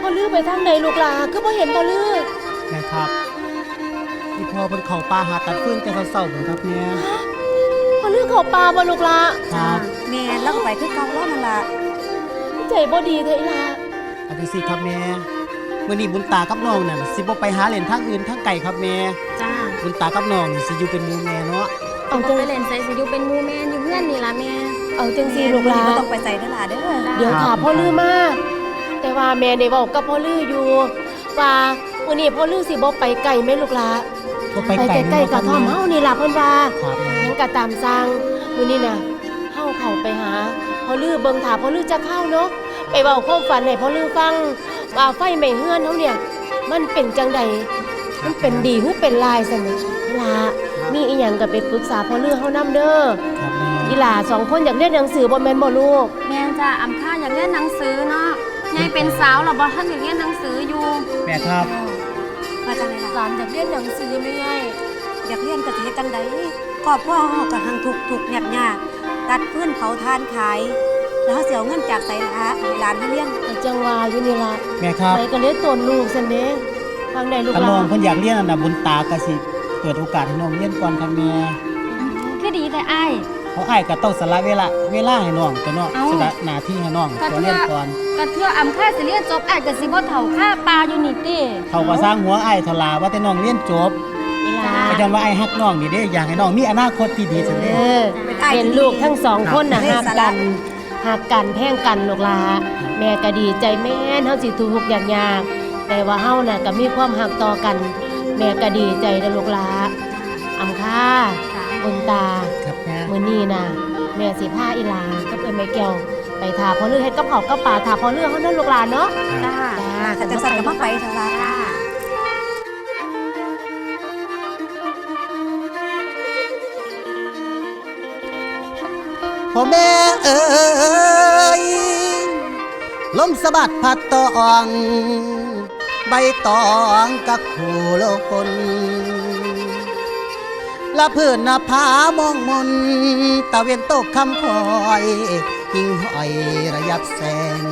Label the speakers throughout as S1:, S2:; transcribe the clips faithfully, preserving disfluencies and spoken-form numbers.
S1: ลือไปทางใดลูกหลาคือบ่เห็นพ่อลือ
S2: แม่ครับที่พ่อเพิ่นเข้าป่าหาตัดฟืนแต่เช้าๆเหมือนครับเนี่ย
S1: พ่อลือเข้าป่าบ่ลูกหลา
S2: ครับ
S3: แม่แล้วก็ไปคือเก่าแล้วนั่นล่ะ
S1: ใจบ่ดีเด้ออีหลา
S2: อันนี้สิครับแม่มื้อนี้บุญตากับน้องนั่นสิบ่ไปหาเล่นทางอื่นทางไกลครับแม่
S3: จ้า
S2: บุญตากับน้องนี่สิอยู่เป็นหมู่แม่เนาะ
S3: เอาจังไปเล่นไสสิอยู่เป็นหมู่แม่อยู่เฮือนนี่ล่ะแม่
S1: เอาจังซี่ลูกหลา
S3: บ่ต้องไปไสเด้อล่ะเด้อ
S1: เดี๋ยวค่ะพ่อลือมาแต่ว่าแม่ได้เว้ากับพ่อลืออยู่ว่ามื้อนี้พ่อลือสิบ่ไปไกลแม่ลูกหลา
S2: บ่ไป
S1: ไกลใกล้ๆกะท่อมเฮานี่ล่ะเพิ่นว่า
S2: ครับ
S1: ยังก็ตามสร้างมื้อนี้น่ะเฮาเข้าไปหาพ่อลือเบิ่งถ้าพ่อลือจะเข้าเนาะไปเว้าความฝันให้พ่อลือฟังว่าไฟไหม้เฮือนเฮาเนี่ยมันเป็นจังใดมันเป็นดีหรือเป็นลายซั่นล่ะมีอีหยังก็ไปปรึกษาพ่อลือเฮานำเด้อ
S2: ครับแม่
S1: อีหล่าสองคนอยากเรียนหนังสือบ่แม่นบ่ลูก
S3: แม่จ้าอำค่าอยากเรียนหนังสือเนาะยายเป็นสาวแล้วบ่ทันอยากเรียนหนังสืออยู่
S2: แม่ครับ
S3: ว่าจังได๋ล่ะ
S1: หลานอยากเรียนหนังสือแม่ไง
S3: อยากเรียนก็สิเฮ็ดจังได๋ครอบครัวเฮาก็หังทุกข์ทุกข์ยากๆตัดฟืนเผาทานขายแล้วเฮาสิเอาเงินจากไสล่ะให้หลานเฮาเรียน
S1: แต่จังว่าอยู่นี่ล่ะ
S2: แม่ครับ
S1: ไปก็เลยตนลูกซั่นเด้ทางใดลูกหลาน
S2: น้องเพิ่นอยากเรียนน่ะบุญตาก็สิเปิดโอกาสให้น้องเรียนก่อนครับแม่
S3: คือดีแต่อ้าย
S2: เพราะอ้ายก็ต้องสละเวลาเวลาให้น้องตัวเนาะสละหน้าที่ให้น้องตัวเรียนก่อน
S3: ก็เทื่ออำค่าสิเรียนจบอ้ายก็สิบ่เฒ่าค่าปลาอยู่นี่ติ
S2: เขาก็สร้างหัวอ้ายเท่าลาว่าแต่น้องเรียนจบ
S1: อีหลา
S2: ก็ย้อนว่าอ้ายฮักน้องนี่เด้อยากให้น้องมีอนาคตที่ดีซั่นเด้
S1: เป็นลูกทั้งสองคนน่ะฮักกันฮักกันแพงกันลูกหลาแม่ก็ดีใจแม่นเฮาสิทุกข์ยากๆแต่ว่าเฮาน่ะก็มีความฮักต่อกันแม่ก็ดีใจเด้อลูกหลาอำค่าบุญตา
S2: ครับแม่
S1: มื้อนี้น่ะแม่สิพาอีหลากับเอ้ยแม่แก้วไปทาพ่อลือเฮ็ดกับข้าวกับปลาทาพ่อลือเฮานั่นลูกหลานเนาะ
S3: จ้าจ้าจังซั่นก็มาไปเถอะล่ะ
S2: พ่อแม่เอ๋ยลมสะบัดพัดตองใบตองกับคู่โลคนละเพื่อนนาผามองมนตะเวียนตกคำคอยหิ่งห้อยระยับแสง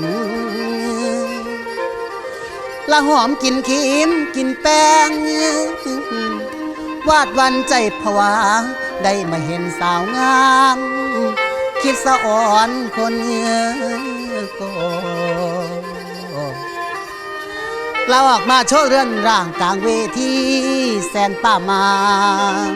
S2: ละหอมกินขีมกินแป้งวาดวันใจผวาได้มาเห็นสาวงามคิดสะอ่อนคนเงือก็เราออกมาโชว์เรือนร่างกลางเวทีแสนป่ามาง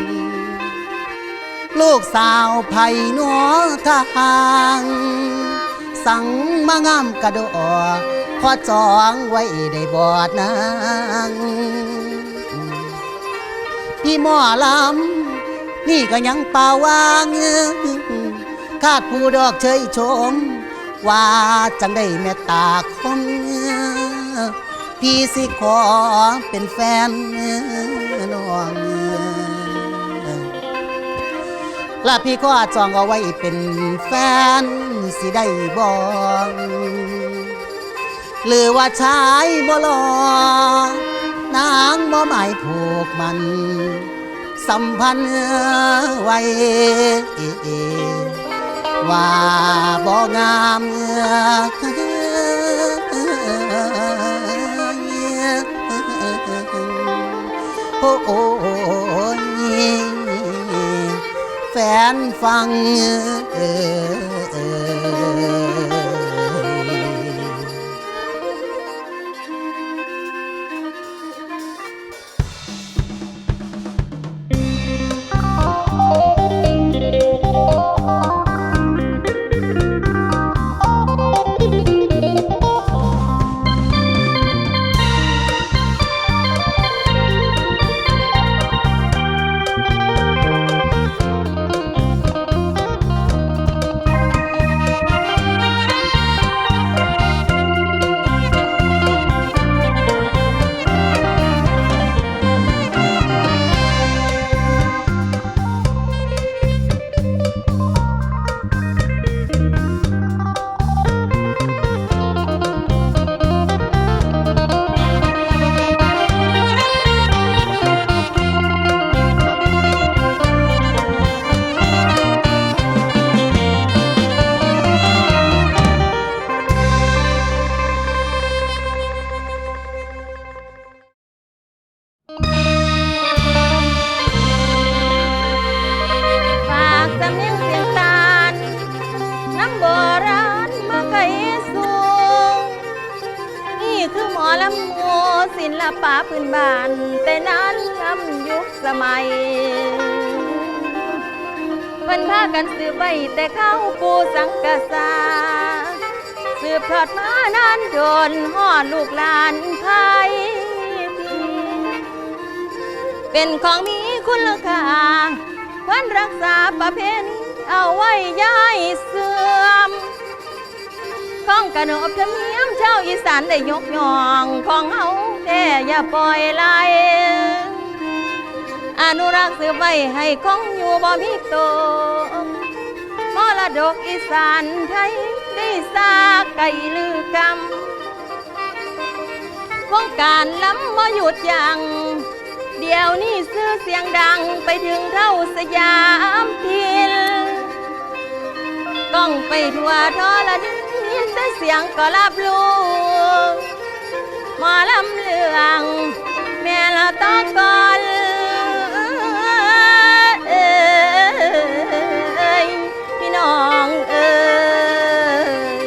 S2: ลูกสาวไผ่หนัวทางสั่งมางามกระโดดขอจองไว้ได้บอดนางพี่หมอลำนี่ก็ยังเป่าวางคาดผู้ดอกเชยชมว่าจังได้แม่ตาคมพี่สิขอเป็นแฟนน้องและพี่ก็จองเอาไว้เป็นแฟนสิได้บ่หรือว่าชายบ่หล่อนางบ่หมายผูกมันสัมพันธ์ไว้ว่าบ่งามโอ้โอ้แฟนฟังเอ
S4: ลำโมศิลปะพื้นบ้านแต่นั้นล้ำยุคสมัยเพิ่นพากันสืบไว้แต่เข้าปูสังกะสาสืบทอดมานานโดนฮอดลูกหลานไทยเป็นของมีคุณค่าควรรักษาประเพณีเอาไว้ย้ายเสื่อมของกระนบธรรมเนียมชาวอีสานได้ยกย่องของเฮาแต่อย่าปล่อยไหลอนุรักษ์สืบไว้ให้คงอยู่บ่มีตกมรดกอีสานไทยได้สร้างไก่ลือกำวงการล้ำบ่หยุดยั้งเดี๋ยวนี้ชื่อเสียงดังไปถึงเท่าสยามทินก้องไปทั่วทอละดินแต่เสียงก็รับรู้หมอลำเลืองแม่ละตะกอนเอ้ยพี่น้องเอ้ย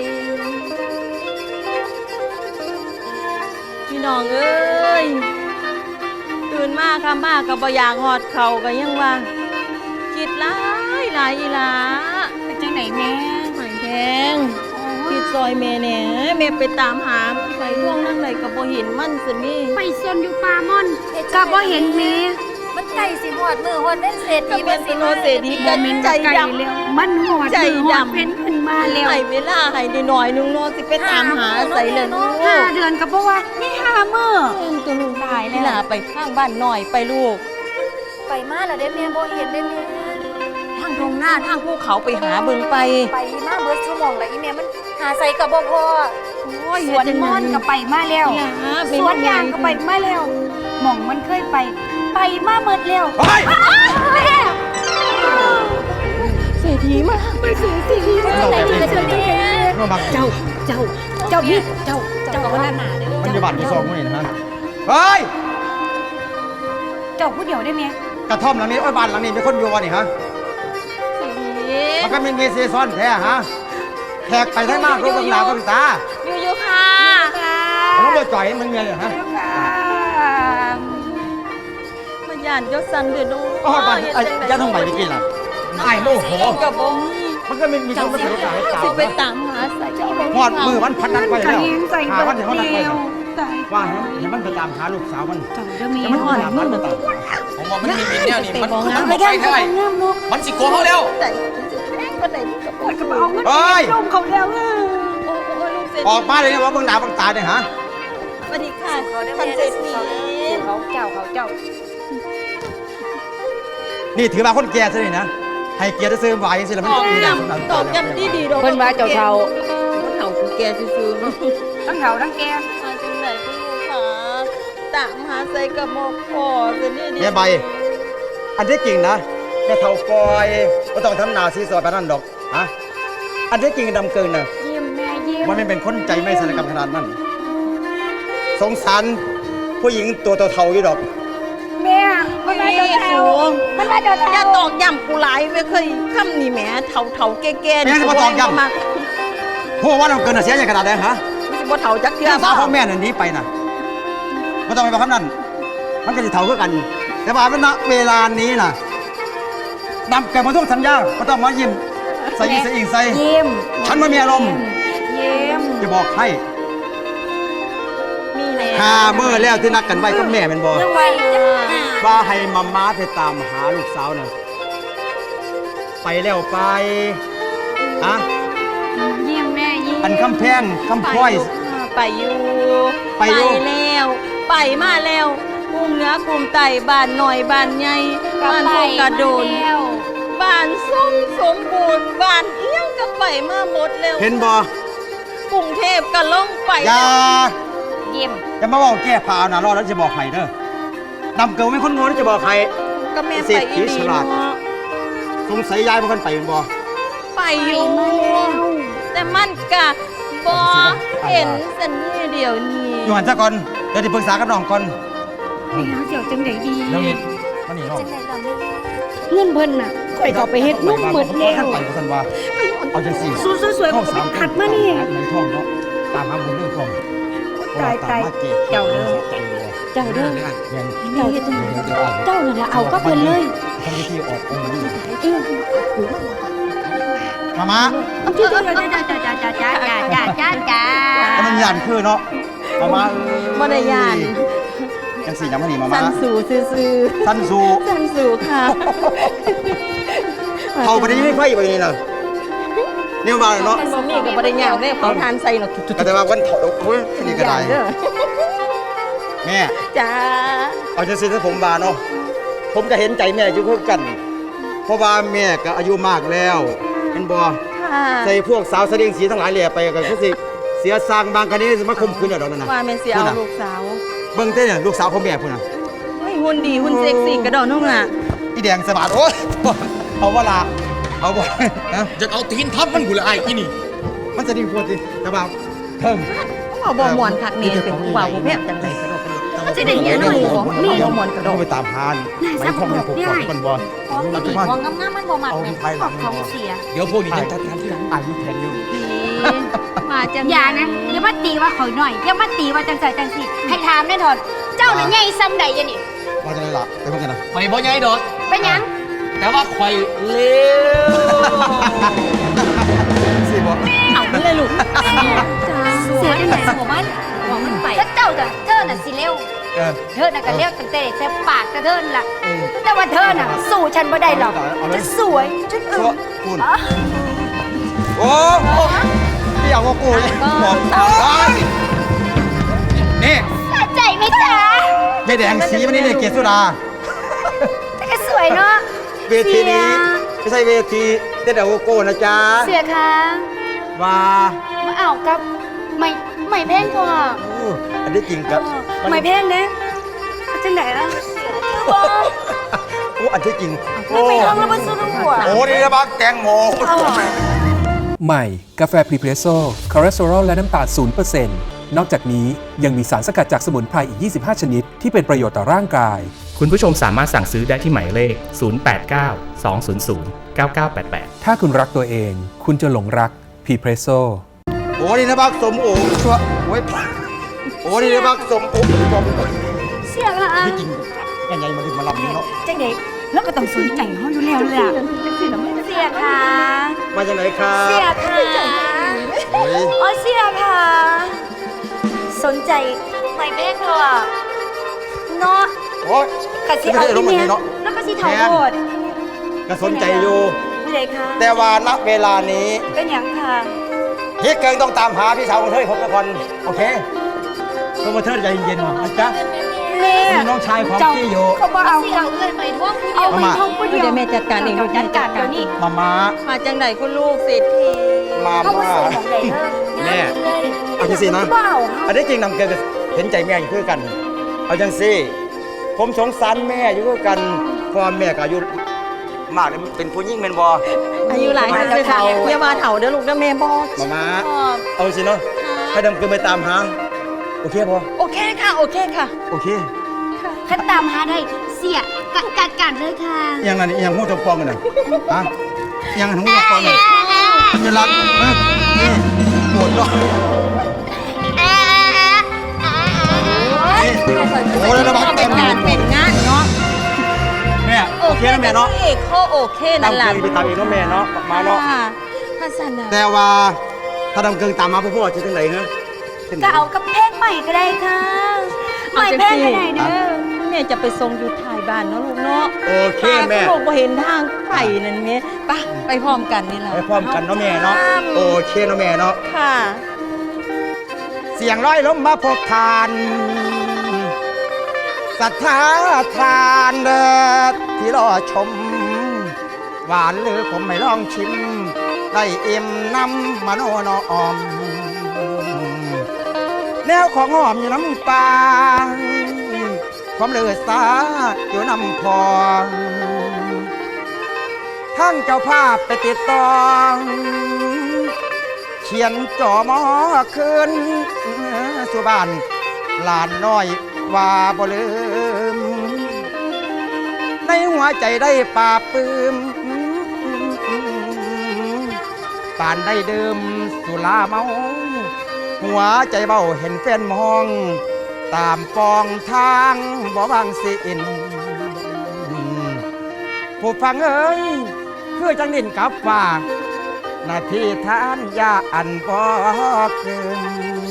S4: พี่น้องเอ้ยตื่นมาคำมากก็บ่อยากหอดเข่าก็ยังว่าคิดหลายหลายอีหลา
S3: เป็นจังไหนแม่
S4: หอยแพงคิดซอยแม่แหน่แม่ไปตามหาไปท่วงนั่งไหนก็บ่เห็นมันสินี่
S3: ไปซนอยู่ป่าม่อนก็บ่เห็นแม่
S5: มันไก่สิหอดมือหอดเป็นเศษ
S4: ก็เป็นสโนเศรษฐีกันใจดำ
S3: แล้วมันหอด
S4: ใจ
S3: มือหอด
S4: ดำ
S3: เป็นขึ้นมาแล้ว
S4: ให้เวลาให้ได้หน่อยนึงเนาะสิไปตามหาใส่เลยลูก
S3: ห้าเดือนก็บ่ว่านี่ห้ามื้อ
S4: เองตัวลูกตายแล้วล่ะไปข้างบ้านหน่อยไปลูก
S5: ไปมาแล้วได้แม่บ่เห็นได้แม่
S4: ทางตรงหน้าทางภูเขาไปหาเบิ่งไป
S5: ไปมาเบิดชั่วโมงแล้วอีแม่มันหาใส่กับบ่พอ
S4: โอ้ย
S3: สวนม่อนก็ไปมาแล้ว สวนยางก็ไปมาแล้วหม่องมันเคยไป ไปมาหมดแล้ว
S6: เฮ้ย
S3: แม่
S4: เศรษฐีมาไปเศรษฐีมา
S6: เราแบบนี้มาบัง
S3: เจ้า เจ้า เจ้าพี่เจ้า เจ้าคนนั้น
S6: มันจะบาดที่ซองไม่เห็นนะเฮ้ย
S3: เจ้าผู้เดียวได้ไหม
S6: กระท่อมหลังนี้โอ้ยบ้านหลังนี้มีคนอยู่วะนี่ฮะ
S4: เศรษฐี
S6: มันก็มีมีซีซอนแท้ฮะแขกไปทั้งมากรูปหลาก็ตา
S4: อยู่อยู่ค่ะ
S6: แล้วมาจ่อยมันเมียเลยฮะ
S4: มันย่านยศสันเดือดดู
S6: ก็ฮอดบ้านไอ้ย่าทองใบไปกินล่ะไอ้โมโห
S4: กับบ่มี
S6: มันก็มีมีคนมาถือโอกาสให้ตา
S4: สิไปตามหาใส่เจ้าบ่
S6: หอดมือมันพันนัดไปแล้ว
S3: ใส่
S6: หา
S3: เบิ
S6: วัน
S3: ด
S6: ที่เขานัดไป
S3: เดียวตาย
S6: ว่าเห็นมันไปตามหาลูกสาวมัน
S3: เจ้าจะมี
S6: แล้วมัน
S3: หอด
S6: ตาม
S3: มื
S6: มัน
S3: อ
S6: ไปตาม
S7: ผมว่ามันมีมีแนวนี่มัน
S4: บอก
S7: มัน
S4: นะ
S7: บอกไปเท่าไหร่
S3: งามเนาะ
S7: มันสิโกงเขาแล้ว
S4: ใส่แม่งคนไหนก็ปวด
S3: กระเป๋าเงิน
S6: เฮ้ย
S3: ลงเขาแล้วเออ
S4: โอ้โอ้ลูกเศรษฐี
S6: ออกมาเลยนะว่าเบิ่งหน้าเบิ่งตาเนี่ยฮะ
S4: สวัสดีค่ะ
S5: เขาได้
S4: ท่าน
S5: แม่
S4: เศร
S5: ได้
S4: ษฐี
S5: เขาเจ้าเขาเจ้า
S6: นี่ถือมาคนแก่ซะนี่นะให้เกียรติซื้อไหวสิแล้วมัน
S4: ตอก
S6: จะมีแรง
S4: ย้ำตอกย้ำดีดีๆ
S5: เพิ่นว่าเจ้าเฒ่า
S4: เฒ่าคือแกซื่อๆเนาะ
S3: ทั้งเขาทั้งแก
S4: มาจังไหนก็ลูกค่ะตามหาใส่กระบอกคอสินี่ดี
S6: แม่ใบ อันที่จริงนะแม่เท่ากอยก็ต้องทำหนาซีซอยไปนั่นดอกฮะอันที่จริงดำเกินนะ
S3: ยิ้มแม่ยิ้ม
S6: มันไม่เป็นคนใจไม่ศัลยกรรมขนาดนั้นสงสารผู้หญิงตัวเท่าๆอยู่ดอก
S3: แม่มันมาเจ้าเท้ามันมาเจ้า
S4: อย่า
S3: เท้า
S4: ตอกย้ำกูหลายไม่เคยคำนี่แหมเฒ่าเฒ่าๆแก่ๆ
S6: แม่จะมาตอกย้ำ
S4: มา
S6: หัวว่าดำเกินน่ะเสียอย่างขนาดไหนฮะ
S4: ไม่ใช่บ่เฒ่าจักเทื่อ
S6: พี่สาวของแม่น่ะหนีไปน่ะไม่ต้องไปบอกคำนั้น มันก็จะเท่าคือกัน แต่ว่าณเวลานี้น่ะนำแกมาทุกสัญญาไม่ต้องมายิ้มใส่ยิ้มใส่อิงใส่
S3: ยิ้ม
S6: ฉันไม่มีอารมณ์
S3: ยิ้ม
S6: จะบอกให้
S4: มีแล้ว
S6: ห้าเมื่อแล้วที่นัดกันไว้กับแม่เป็นบอ
S3: ยังไง
S6: ว่าให้มาม้าไปตามหาลูกสาวน่ะไปแล้วไปอะ
S3: ยิ้มแม่ยิ้ม
S6: อันคำแพงคำพ้อย
S4: ไปอยู่
S6: ไปอยู่
S4: แล้ว ไปมาแล้วกลุ่มเหนือกลุ่มใต้บ้านหน่อยบ้านใหญ่บ้านพวกกระโดน
S3: แล้ว
S4: บ้านส้มสมบูรณ์บ้านเอี้ยงก็ไปมาหมดแล้ว
S6: เห็นบอก
S4: รุงเทพก็ลงไป
S6: อย่า
S3: ยิ้ม
S6: อย่ามาบอกแก้ผ้าเอาหนารอดแล้วจะบอกใครเด้อดำเกิลไม่คนโง่ที่จะบอกใคร
S4: ก็แม่
S6: เศร
S4: ไป
S6: ษฐี
S4: อีดี
S6: ฉลาด
S4: เนาะ
S6: สงสัยยายเป็นคนไปเป็นบอ
S4: ไปอยู่แต่มันก็บ่เห็นสันนี่เดียวนี้
S6: อยู่หันซะก่อนเดี๋ยวที่ปรึกษากับน้องก่อน
S3: แม่เสียวจังไดดี
S6: น้องนิดมานี่น้อง
S5: จังไหนล่ะแม่
S3: เงินเพิ่นน่ะข่อยก็ไปเฮ็ดนุ่มหมดแล้ว
S6: ท่านไปบ่ทันว่าเอาจังสี่
S3: สู้สวยๆก็ไปขัดมานี่
S6: ในท้องเนาะตามหาบุญเรื่องท้อง
S3: ขตายตาย
S6: เจ้าเด้อ
S3: เจ้าเด้อ
S6: เงิน
S3: เจ้าเฮ็ดจังไดเจ้านั่นล่ะเอากับเพิ่นเลย
S6: ทำพิธีออกองค์นี้
S3: เออ
S6: มามา
S3: เอาเจ้าเจ้าเจ้าเจ้าเจ้าเจ้าเจ้าเจ้าเจ้าเจ้าเจ้าเจ้า
S6: ถ้ามันยันคือเนาะมามา
S4: บ่ได้ยาน
S6: จังสี่ยังไม่หนีมามา
S4: สันสู่ซื่อ
S6: สั้นสู
S4: ๆสันสู่ค่ะ
S6: เอาไปนี่ไม่ไฟไปนี่เลยนี่มาเนาะ
S4: มันบ่มีก็บ่ได้ยากเด้เผาทานใส่เนาะจุด
S6: แต่ว่าวันถอดโอ้ยนี่ก็ได้
S4: เด้อ
S6: แม่
S4: จ้า
S6: เอาจังสิถ้าผมบาเนาะผมก็เห็นใจแม่อยู่คือกัน เพราะว่าแม่ก็อายุมากแล้วเป็นบ่
S4: ค่ะ
S6: ใส่พวกสาวเสดียงสีทั้งหลายแหล่ไปก็คือสิเสียสร้างบางคันนี้สิมาข่มขืนเอาดอกนั่นน่ะ
S4: ว่าแม่นสิเอาลูกสาว
S6: เบิ่งเต้เนี่ยลูกสาวพ่อแม่พุ่นน่ะ
S4: เฮ้ยหุ่นดีหุ่นเซ็กซี่กระดอนนุ่งอ่ะ
S6: อีแดงสะบัดโอ้ยเอาว่าละเอาบ่ฮะ
S7: จะเอาตีนทับมันกูละไอ้อีนี่
S6: มันจะดีพูดสิแต่ว่าเพิ่ม
S4: เอาบ่ม่วนคักนี่เป็นผู้ว่าผู้แพทย์จังได๋กระดอกกระดอก
S3: มันจะได้เห็นเลย
S4: ของมีบ่ม่วนกระดอก
S6: ไปตามพานไปท่องให้ผมก่อนก่อนบ่
S5: ของดีของงามๆมันบ่มัก
S6: เอา
S5: แม่
S6: ไทยหลัง
S5: ของเสีย
S7: เดี๋ยวพวกนี้จะจัดการที่หลัง
S6: อายุแทนอยู่
S4: มาจัง
S3: อย่านะอย่ามาตีว่าข่อยหน่อยอย่ามาตีว่าจังไสจังสิให้ถามแน่ถอดเจ้าน่ะใหญ่ซ้ำใดอะนี่
S6: ว่าจะได้ล่ะไปเบิ่งกันนะ
S7: ไปบ่ใหญ่ดอก
S3: เป็นหยัง
S7: แต่ว่าข่อยเร็ว
S6: สิบ่
S4: เอาไปเลยลูก
S3: เสียจังได๋
S5: หัวมันหัวมันไป
S3: ถ้าเจ้าน่ะเธอน่ะสิเร็ว
S6: เออ
S3: เธอน่ะก็เร็วตั้งแต่แค่ปากกระเทินล่ะ แต่ว่าเธอน่ะสู้ฉันบ่ได้หรอกจะสวยจนอึ
S6: ชั่ว
S3: ม
S6: คุณโอ้พี่เอาว่ากูเลยบอกไปนี่
S3: สะใจไหมจ๊ะ
S6: ยายแดงสีมันนี่เนี่ยเกศสุดา
S3: แต่ก็สวยเนาะ
S6: เวทีนี้ไม่ใช่เวทีเต้นเอาโก้นะจ๊ะ
S3: เสียค่ะ
S6: ว่า
S3: มาเอากับไม่ไม่แพงพอ
S6: อู้อันนี้จริงครับ
S3: ไม่แพงเด้จังไหนล่ะเสียบ่
S6: โอ้อันที่จริง
S3: ไม่ไปห้องแล้วบ่สู้ทั้งหัว
S6: โอ้นี่นะบักแตงโม
S8: ใหม่ กาแฟพรีเพรสโซ่คอเลสเตอรอลและน้ำตาล ศูนย์เปอร์เซ็นต์ นอกจากนี้ยังมีสารสกัดจากสมุนไพรอีก ยี่สิบห้า ชนิด ที่เป็นประโยชน์ต่อร่างกาย
S9: คุณผู้ชมสามารถสั่งซื้อได้ที่หมายเลข ศูนย์ แปด เก้า สอง ศูนย์ ศูนย์ เก้า เก้า แปด แปด
S8: ถ้าคุณรักตัวเอง คุณจะหลงรักพรีเพรสโซ่
S6: โอ้นี่นะบักสมโอชัวโอ้ยโอ้นี่นะบักสมโอสม
S3: เสียค่ะ
S6: ที่จริงยังไงมาดึงมาลำนี้เนาะ
S3: จังไหนแล้วก็ต้องสนใจเฮาอยู่แล้วเลยอะเสียค่ะ
S6: มาจากไหนครับ
S3: เสียค่ะ
S6: โอ้ย
S3: อ๋อเสียค่ะ สนใจไม่แพงพอเนาะ
S6: โอ้ย
S3: ก็สิเอาที่เนี่ยแล้วก็สิเท่าโหด
S6: ก็สนใจอยู่
S3: ผู้ใดคะ
S6: แต่ว่าณเวลานี้
S3: เป็นหยังค่ะ
S6: พี่เกิงต้องตามหาพี่สาวของเธอให้ผมก่อนโอเคเพื่อมาเธอใจเย็นๆนะจ๊ะ
S3: แม่
S6: มีน้องชายของพี่อยู่
S3: เขาบ่เอา
S5: เสียเอาเงินไปท่วงผู้เดี
S3: เอา
S5: ยว
S3: ไปท่องผู้เดียว
S4: เดี๋ยวแม่จัดการเอง
S3: เดี๋ยวจัดการเดี๋ยวนี้
S6: มามา
S4: มาจังไดคุณลูกเศรษฐี
S6: มา
S3: เขาบ่
S6: มา
S3: ใส่ของใดเด้อ
S6: แม่เอาจังสินะ
S3: บ่เอา
S6: อันนี้จริงนำเกินก็เห็นใจแม่อยู่คือกัน เอาจังสิผมสงสารแม่อยู่คือกันเพราะว่าแม่ก็อายุมากเลยเป็นผู้หญิงเป็นบอ
S4: อายุหลายแล้วเฒ่าอย่าว่าเฒ่าเด้อลูกเด้อแม่บ่
S6: มามาเอาสิเนาะให้ดำเกินไปตามหาโอเคพอ
S4: โอเคค่ะ โอเคค่ะ
S6: โอเค
S3: คันตามหาได้เสียกัดกัดกันเลยค่ะ
S6: อยังนั้นอยังหูจงปองกันน่ะฮะอยังหูจงปองกันจะรักเอ้ยนี่ปวดเนาะนี่โอ้ยแล้วบัก
S4: เป็
S6: เต็
S4: น
S6: ม
S4: งานเป็นงานเนาะ
S6: แม่โอเคนะแม่เนาะ
S4: เอกเขาโอเคนั่น
S6: ดำ
S4: ล่ะ
S6: เกินไปตามเองเนาะแม่เนาะมาเนาะ
S4: ค่ะฮัสซันน่ะ
S6: แต่ว่าถ้าดำเกินตามมาพ่อพ่อจะจังไหนฮะจังไหน
S3: ก็เอากับเพลงใหม่ก็ได้ค่ะใหม่เพลงก็ได้เด้อ
S4: แม่จะไปส่งอยู่ท้ายบ้านเนาะลูกเนาะ
S6: โอเคแม่
S4: ตาคุณลูกบ่เห็นทางไปนั่นแม่ไปไปพร้อมกันนี่ล่ะ
S6: ไปพร้อมกันเนาะแม่เนาะโอเคเนาะแม่เนาะ
S4: ค่ะ
S6: เสียงร้อยล้มมาพบทานศรัทธาทานเด้อที่รอชม หวานหรือผมไม่ลองชิม ได้อิ่มน้ำมโนนอม แนวของหอมอยู่น้ำปลาความเลือดสาอยู่น้ำพองทั้งเจ้าภาพไปติดตองเขียนจ่อหมอคืนสู่บ้านหลานน้อยว่าบ่ลืม ในหัวใจได้ปราบปลื้มป่านได้ดื่มสุราเมาหัวใจเบาเห็นแฟนมอง ตามปองทางบ่บางสิอินผู้ฟังเอ้ยคือจังนินกับฝากหน้าที่ทานยาอันบ่เกิน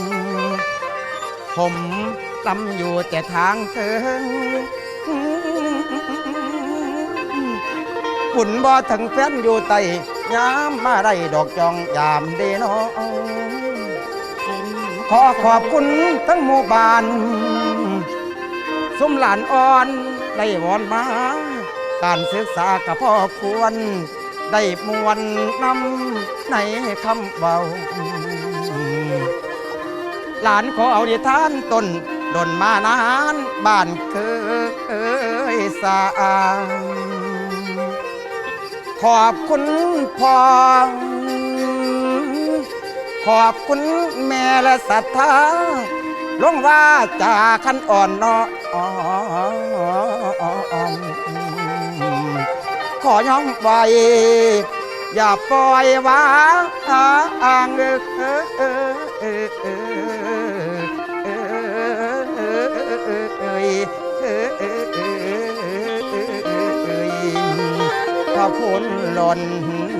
S6: ผมตำอยู่แต่ทางเทิงปุ่นบ่ถึงแฟนอยู่ไตยามมาได้ดอกจองยามเดนอขอขอบคุณทั้งหมู่บ้านสุมหลานอ่อนได้วอนมาการศึกษากับพ่อควรได้มวลนำในคำเบาหลานขอเอาดิทานตนดนมานานบ้านเคยสร้างขอบคุณพ่อขอบคุณแม่และศรัทธาลงว่าจากขันอ่อนน้อมขอย้อมไว้อย่าปล่อยวางเอขอบคุณหล่น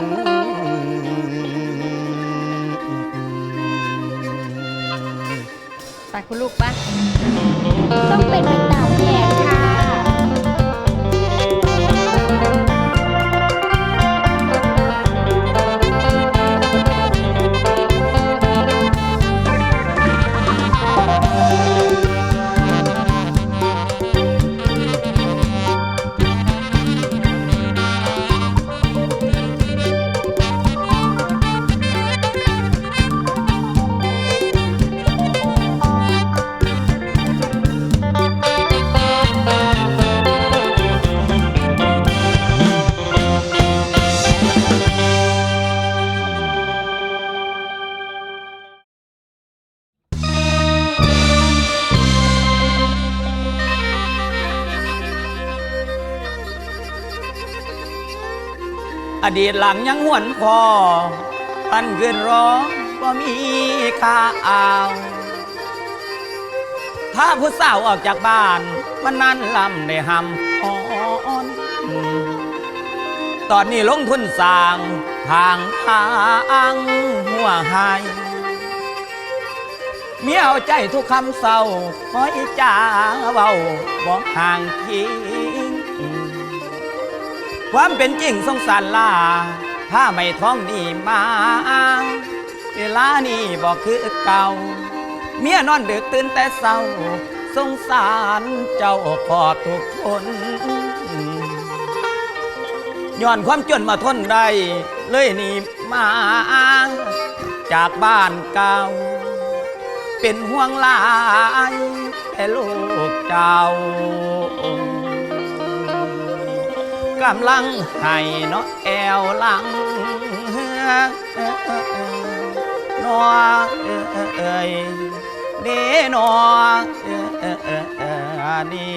S4: ไปคุณลูกปะ
S5: ต้องเป็นไปตามแผนค่ะ
S7: อดีตหลังยังหวนพอปันเกินร้องบ่มีค่าอ่าวถ้าผู้สาวออกจากบ้านวันนั้นลำได้หำอ่อนตอนนี้ลงทุนสร้างทางทางหัวหายเมียเอาใจทุกคำเศร้าคอยจ้าเบาบอกห่างคิงความเป็นจริงสงสารลาถ้าไม่ท้องนี่มาเวลานี่บอกคือเก่าเมียนอนดึกตื่นแต่เศร้าสงสารเจ้าขอบทุกคนย้อนความจนมาทนได้เลยนี่มาจากบ้านเก่าเป็นห่วงหลายแต่ลูกเจ้ากำลังให้เนาะแอวหลังนอเอ่ยเดนอนี่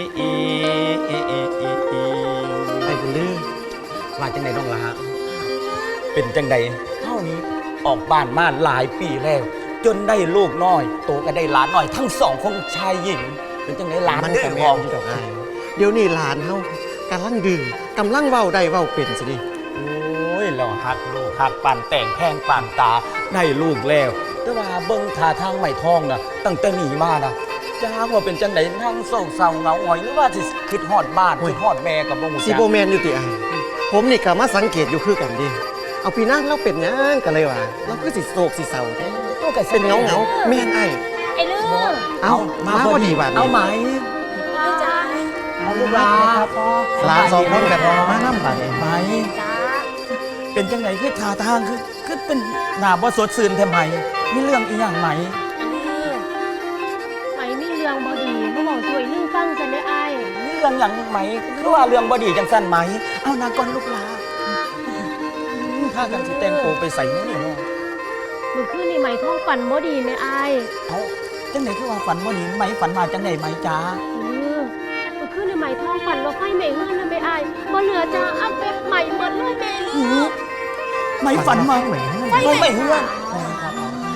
S7: ไอ้บุญลือมาจังไหนน้องละฮะเป็นจังใดเท่านี้ออกบ้านมาหลายปีแล้วจนได้ลูกน้อยโตก็ได้หลานน้อยทั้งสองคนชายหญิงเป็นจังไหนหลาน
S10: มัน
S7: เด้
S10: ก็
S7: อ
S10: แม่
S7: พ่อน
S10: ดอกอ้ายเดี๋ยวนี้หลานเฮากำลังดื้อกำลังเว้าได้เว้าเป็นสิดิ
S7: โอ้ยเราหักลูกหักปานแต่งแพงปานตาได้ลูกแล้วแต่ว่าเบิ่งท่าทางไม่ทองนะตั้งแต่หนีมานะจ้าว่าเป็นจังไหนนั่งโศกเศร้าเหงาหงอยหรือว่าสิคิดฮอดบ้านคิดฮอดแม่กับบ่ฮู้
S10: สิ
S7: จัก
S10: บ่แม่นอยู่ติอ้ายผมนี่ก็มาสังเกตอยู่คือกันดิเอาพี่นางเราเป็นหยังกันเลยว่าเราคือสิโศกสิเศร้าแท้
S7: ตัวก็
S10: เป็นเงาเงาๆแม่นอ้าย
S5: ไอ้ลือ
S10: เอ้ามาพอดีว่า
S7: เอาไหม
S5: ลือจ้า
S7: เอาลูกหลานครับพ่อ
S10: หลานสองคนแบบมานำบัดนี้
S7: ไหม
S5: จ้า
S7: เป็นจังไหนคือท่าทางคือคือเป็นหน้าบ่สดชื่นแท้ไหมมีเรื่องอีหยังไหม
S1: ไอ้ลือไหมมีเรื่องบอดีมาบอกช่วยลือฟังกันได้อาย
S7: มีเรื่องหยังไหมคือว่าเรื่องบ่ดีจังซั่นไหมเอานางก่อนลูกหลานถ้ากันสิแต่งตัวไปใส่มื้อนี่เนาะ
S1: เมื่อคืนนี่ไหมท้องฝันบอดีไหมอาย
S7: เอาจังไหนคือว่าฝันบ่ดีไหมฝันมาจังไหนไหมจ้า
S1: เออเมื่อคืนนี่ไหมท้องฝันว่าไฟไหม้เฮือนนะไหมอายบ่เหลือจ้าอับแบบใหม่หมดเลยแม่ลือ
S7: ไหมฝันมาไหมไม่ไม่เฮือน
S1: มันใจ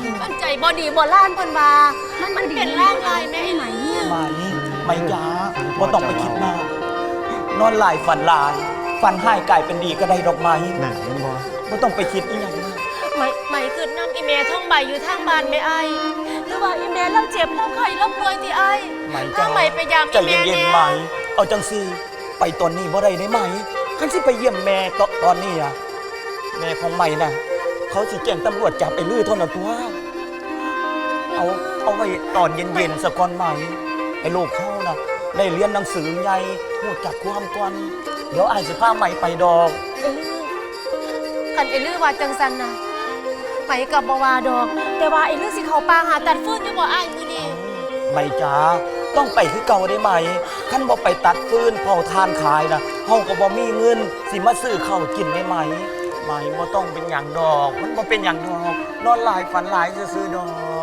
S1: บ่ดีบ่ล้านเพิ่นว่ามันเป็นร่างลายแม่ไหม
S7: ไหมไหมจ๋าบ่ต้องไปคิดมากนอนหลายฝันหลายฝันหายกลายเป็นดีก็ได้ดอกไม้
S10: นั่นเห็นบ่
S7: บ่ต้องไปคิดอีหยังมาก
S1: ไหมไหมคือนำอีเมท่องใบอยู่ทางบ้านแม่ไอหรือว่าอีเมเราเจ็บเราไข้เราป่วยที่ไอ
S7: ไหม
S1: ถ้า
S7: จ๋า
S1: ไหมไปยาม
S7: ใจ
S1: อีเม
S7: เย็น
S1: เนี่
S7: ๆ
S1: ย
S7: ไหมเอาจังซี่ไปตอนนี้บ่ได้ได้ไหมคันสิไปเยี่ยมแม่ตตอนนี้อะแม่ของไหมน่ะเขาสิแจ้งตำรวจจับไอ้ลือเท่านั้นตัวเอาเอาไว้ตอนเย็นๆสักก่อนไหมไอ้ลูกเขาน่ะได้เรียนหนังสือใหญ่ฮู้จักความก่อนเดี๋ยวอ้ายสิพาไหมไปดอก
S1: เอลือคันเอลือว่าจังสันนะไหมกับบ่ว่าดอก แต่ว่าเอลือสิเข้าป่าหาตัดฟืนอยู่บ่อ้ายมื้อนี้
S7: ไม่จ้าต้องไปคือเก่าได้ไหมขั้นบ่ไปตัดฟืนเผาทานขายนะเฮาก็บ่มีเงินสิมาซื้อข้าวกินได้ไหมไหมบ่ต้องเป็นอย่างดอก มันบ่เป็นอย่างดอกนอนหลายฝันหลายซื่อๆดอก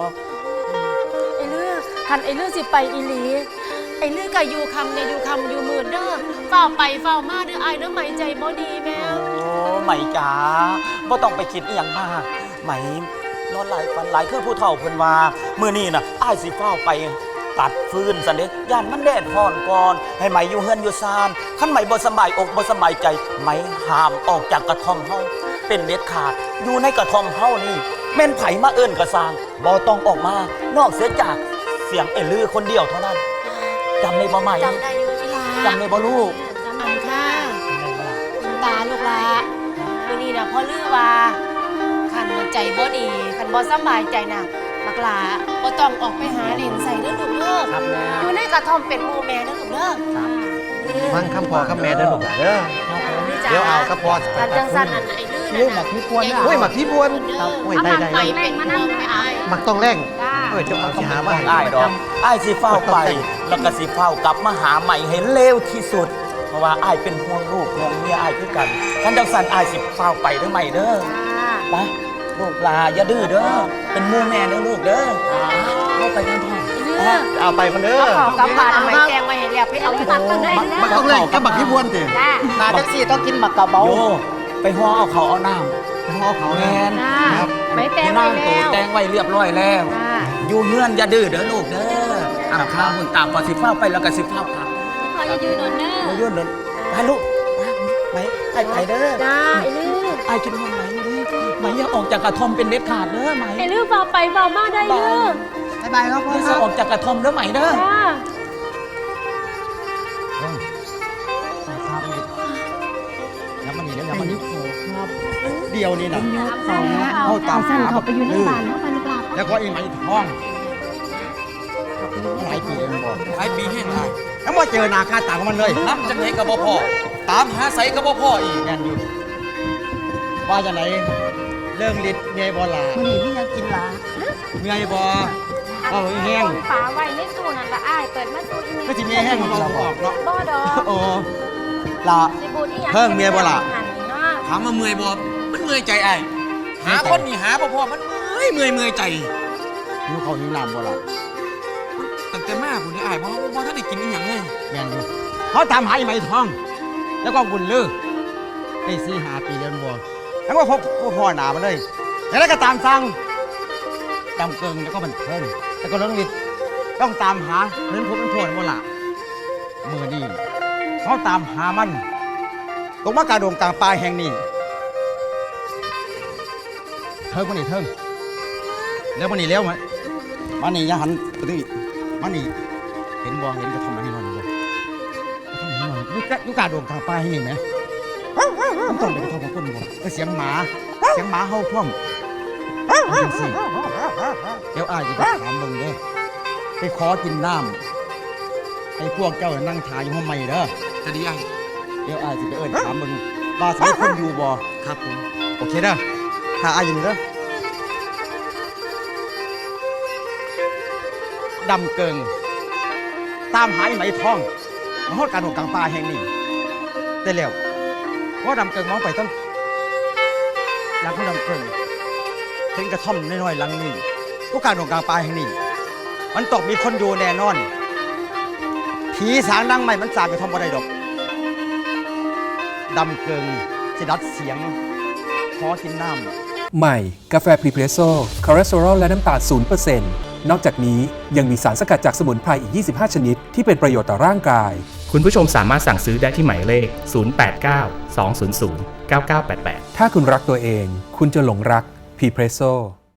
S1: ไอ้เลือคันไอ้เลือสิไปอีหลีไอ้เลือก็อยู่คำเนี่ยอยู่คำอยู่หมื่นเด้อเฝ้าไปเฝ้ามาเด้ออ้ายเด้อไหมใจบ่ดีแม่
S7: โอ้ไหมจ้าบ่ต้องไปคิดอีหยังมากไหมนอนหลายฝันหลายคือผู้เฒ่าเพิ่นว่ามื้อนี้น่ะอ้ายสิเฝ้าไปตัดฟืนซะเด้ย่านมันแดดร้อนก่อนให้ไหมอยู่เฮือนอยู่ซานคันไหมบ่สบายอกบ่สบายใจไหมห้ามออกจากกระท่อมเฮาเป็นเด็ดขาดอยู่ในกระท่อมเฮานี่แม่นไผมาเอิ้นกระซางบ่ต้องออกมานอกเสียจากเสียงเอลือคนเดียวเท่านั้นจำได้บ่ไหม
S1: จำได้อยู่อีหลา
S7: จำได้บ่ลูก
S1: อันค่ะคุณตาลูกหลามื้อนี้น่ะพ่อลือว่าคันใจบ่ดีคันบ่สบายใจน่ะบักหลาบ่ต้องออกไปหาเล่นใส่เด้อลูกเด้อ
S10: ครับแม่
S1: อยู่ในกระท่อมเป็นหมู่แม่เด้อลูกเด้อ
S10: ฟังคำพ่อคำแม่เด้อลูกหลานเด้อ เดี๋ยวเอาครับพ่อ
S1: คันจังซั่นอันไอ้ลือน่ะ
S10: หมักพี่พวนโอ้ยหมักพี่พวนครับโอ้ยได้ได้
S1: ไปเป็นห่วงแม่อ้าย
S10: หมักต้องแรงเอ้ยเจะเอาสิหามาให้
S7: อ้ายดอกอ้ายสิเฝ้าไปแล้วก็สิเฝ้ากลับมาหาใหม่ให้เร็วที่สุด เพราะว่าอ้ายเป็นห่วงลูกห่วงเมียอ้ายคือกันคันจังซั่นอ้ายสิเฝ้าไปเด้อใหม่เด้อไปลูกลาอย่าดื้อเด้อเป็นหมู่แม่เด้อลูกเด้อเข้าไปกันพ่อ
S10: เอาไปคนเด้อ
S1: เอากลับบ้านเอาไม้แกงไว้ให้แล้วไปเอาที่ตัดต้นได้
S10: หมักต้องแรงกับหมักพี่พวนติ
S6: นาจังซี่ต้องกินหมักกะเบา
S7: โยไปห่อเอาเขาเอาน้ำ
S10: พ่อเขา
S7: แม
S10: แน่
S7: น
S10: ครับ
S4: ไม่แตง
S7: ที่
S4: ไว้
S7: นั่งโต
S4: แล้ว
S7: แตงไว้เรียบร้อยแล้ว อยู่เฮือนอย่าดื้อเด้อลูกเด้ออ่ำข้าวหุ่นตามพอสิเฝ้าไปแล้วก็สิเฝ้าพัก
S4: พอจะยืนนอนเด้อ
S7: มายุ่นเดินไปลูกไปไปไปเด้อ
S1: จ้าไอ้ลือ
S7: ไอ้กินห้องไหนเด้อไหมอย่าออกจากกระท่อมเป็นเด็ดขาดเด้อไหม
S1: ไอ้ลือเฝ้าไปเฝ้ามาได้ลือ
S6: บ๊ายบายครับพ่อ
S7: อย่า
S6: ค
S7: จะ
S6: รับ
S7: ออกจากกระท่อมเด้อไหมเด้อ
S1: จ้า
S10: แล้วมันนี่เดี๋ยวมันนี่เดียวนี่นะ
S3: เอาเอาสั้นเขาไปอยู่ในบ้านเขาไปในกลาบ
S10: แล้วก็อีไหมทองหลายปีเองบอก
S7: ไอ้ปีแห้งไร
S10: แล้วมาเจอหนาค่าตาของมันเลย
S7: น้ำจังไหนกับบ่พ่อตามหาใสกับบ่พ่ออีก
S10: แน่นอยู่ว่าจะไหนเรื่องฤทธิ์เมียบอลา
S3: มันนี่มียังกินหลา
S10: เมียบอเอาอีแห้ง
S4: ฝาไว้ในตู้นั่นละอ้ายเปิดมาตู้อีเมล
S10: ก็จะเมียแห้งของเราออกเนาะ
S4: บ่ดอก
S10: โอ้ละ
S4: สิบูดอีหยัง
S10: เพิ่งเมียบ่ล่ะ
S4: หั่นเนาะ
S7: ถามว่าเมื่อยบ่มันเมื่อยใจไอ้หาคนนี่หาบ่พ่อมันเมื่อยเมื่อยเมื่อยใจ
S10: หิวเขาวหิวน้ำบอลา
S7: ตั้งแต่มาผู้นี้ไอ้บ่บ่ทันได้กินอีหยังเลย
S10: แม่นอยู่เขาตามหาอีไหมทอง แล้วก็บุญลือไอ้สี่หาปีเดือนบัวแล้วก็พบพ่อหนามาเลยแล้วก็ตามสั่งจำเกิงแล้วก็บันเทิงแล้วก็เรื่องฤทธิ์ต้องตามหาเรื่องพบเป็นพวดบอละมือดีเขาตามหามันตรงมากาดงกลางปลายแห่งนี้เทิงมันนี่เทิงแล้วมันนี่แล้วมันมันนี่อยาหันปกติมันนี่เห็นบ่เห็นกระทำอะไรนอนบ่กระทำอะไรนอนยุกยุกาดงกลางปลายแห่งนี้ไหมมันต้องเป็นกระทำของคนบ่เออเสียงหมาเสียงหมาเห่าท่วมเอาจังสิเดี๋ยวอายจะไปถามเบิ่งเด้อไปขอกินน้ำให้พวกเจ้านั่งทาอยู่ห้องใหม่เด้อ
S7: จะดีไอ้
S10: เดี๋ยวอายจะไปเอิ้นถามเบิ่งว่าสิมีคนอยู่บ่ครับผมโอเคเด้อถ้าอายอยู่นี่เด้อดำเกิง ตามหาไอ้ไหมทองมาฮอดการหกกลางป่าแห่งนี้ได้แล้วว่าดำเกิงมองไปต้นหลังของดำเกิงเห็นกระท่อมน้อยๆหลังนี้ผู้การหกกลางป่าแห่งนี้มันตกมีคนอยู่แน่นอนผีสางดังใหม่มันสางกระท่อมบ่ได้ดอกดำเกิงสิดัดเสียงขอกินน้
S8: ใหม่ กาแฟพรีเพรสโซ่คอเลสเตอรอลและน้ำตาล ศูนย์เปอร์เซ็นต์ นอกจากนี้ยังมีสารสกัดจากสมุนไพรอีก ยี่สิบห้า ชนิดที่เป็นประโยชน์ต่อร่างกาย
S9: คุณผู้ชมสามารถสั่งซื้อได้ที่หมายเลข ศูนย์ แปด เก้า สอง ศูนย์ ศูนย์ เก้า เก้า แปด แปด
S8: ถ้าคุณรักตัวเอง คุณจะหลงรักพรีเพรสโซ่